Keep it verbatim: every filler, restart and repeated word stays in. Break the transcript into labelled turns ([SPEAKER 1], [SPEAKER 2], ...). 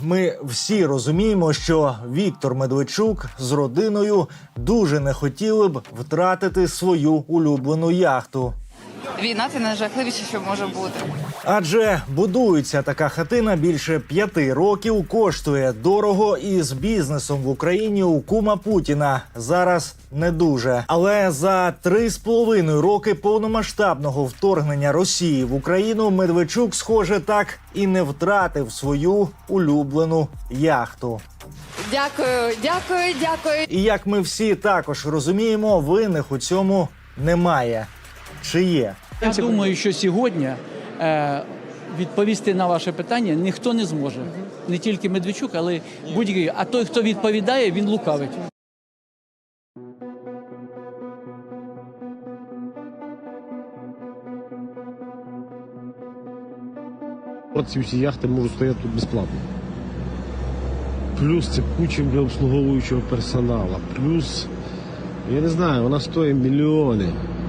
[SPEAKER 1] Ми всі розуміємо, що Віктор Медведчук з родиною дуже не хотіли б втратити свою улюблену яхту.
[SPEAKER 2] Війна – це найжахливіше, що може бути.
[SPEAKER 1] Адже будується така хатина більше п'яти років, коштує дорого і з бізнесом в Україні у кума Путіна зараз не дуже. Але за три з половиною роки повномасштабного вторгнення Росії в Україну Медведчук, схоже, так і не втратив свою улюблену яхту.
[SPEAKER 2] Дякую, дякую, дякую.
[SPEAKER 1] І як ми всі також розуміємо, винних у цьому немає. Чи є?
[SPEAKER 3] Я думаю, що сьогодні е, відповісти на ваше питання ніхто не зможе. Не тільки Медведчук, але будь-який. А той, хто відповідає, він лукавить.
[SPEAKER 4] Ці всі яхти можуть стояти тут безплатно. Плюс це куча для обслуговуючого персоналу. Плюс, я не знаю, вона стоїть мільйони.